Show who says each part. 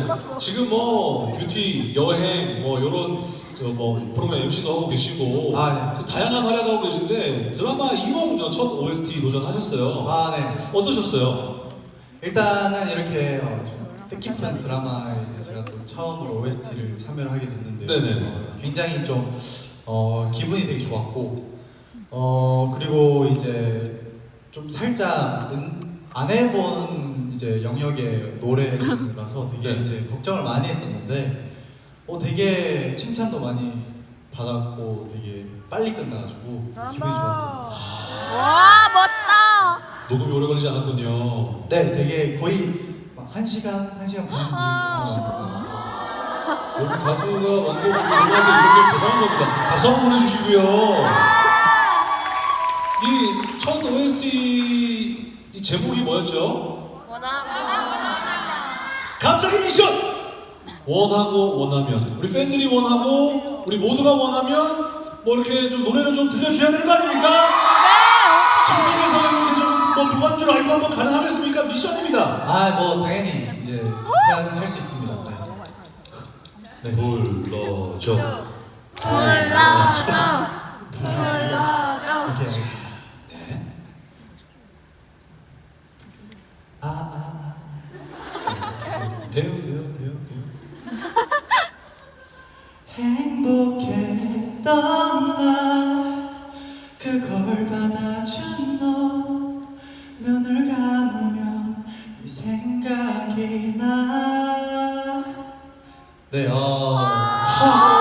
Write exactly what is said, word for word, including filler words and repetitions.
Speaker 1: 지금 뭐 뷰티, 여행, 뭐 이런 뭐 프로그램 엠시도 하고 계시고
Speaker 2: 아, 네.
Speaker 1: 다양한 활약하고 계신데 드라마 이몽 첫 오에스티 도전하셨어요.
Speaker 2: 아, 네.
Speaker 1: 어떠셨어요?
Speaker 2: 일단은 이렇게 어, 좀 뜻깊은 드라마에 이제 제가 또 처음으로 오에스티를 참여를 하게 됐는데
Speaker 1: 네네.
Speaker 2: 어, 굉장히 좀 어, 기분이 되게 좋았고 어 그리고 이제 좀 살짝 은, 안 해본 이제 영역의 노래라서 되게
Speaker 1: 네.
Speaker 2: 이제 걱정을 많이 했었는데 어 되게 칭찬도 많이 받았고 되게 빨리 끝나가지고 기분이 좋았어요.
Speaker 3: 와 멋있다.
Speaker 1: 녹음이 오래 걸리지 않았군요.
Speaker 2: 네, 되게 거의 막 한 시간, 한 시간 반.
Speaker 3: 아.
Speaker 1: 여기 가수가 완곡 노래하는데 이 정도면 대단한 겁니다. 박수 한번 보내주시고요. 이 첫 오에스티 이 제목이 뭐였죠?
Speaker 3: 원하.
Speaker 1: 갑자기 미션! 원하고 원하면 우리 팬들이 원하고 우리 모두가 원하면 뭐 이렇게 좀 노래를 좀 들려주셔야 되는 거 아닙니까? 심석에서 이렇게 좀뭐 무반주로 라이브 한번 가능하겠습니까? 미션입니다.
Speaker 2: 아, 뭐 당연히 이제 할 수 있습니다. 네. 네.
Speaker 1: 불러줘.
Speaker 3: 불러줘. 불러줘.
Speaker 2: 오케이, 알겠습니다.
Speaker 1: 네.
Speaker 2: 아, 아,
Speaker 1: 돼요, 돼요, 돼요, 돼요.
Speaker 2: 행복했던 날 그걸 받아준 너 눈을 감으면 네 생각이 나. 네, 어.
Speaker 1: 하.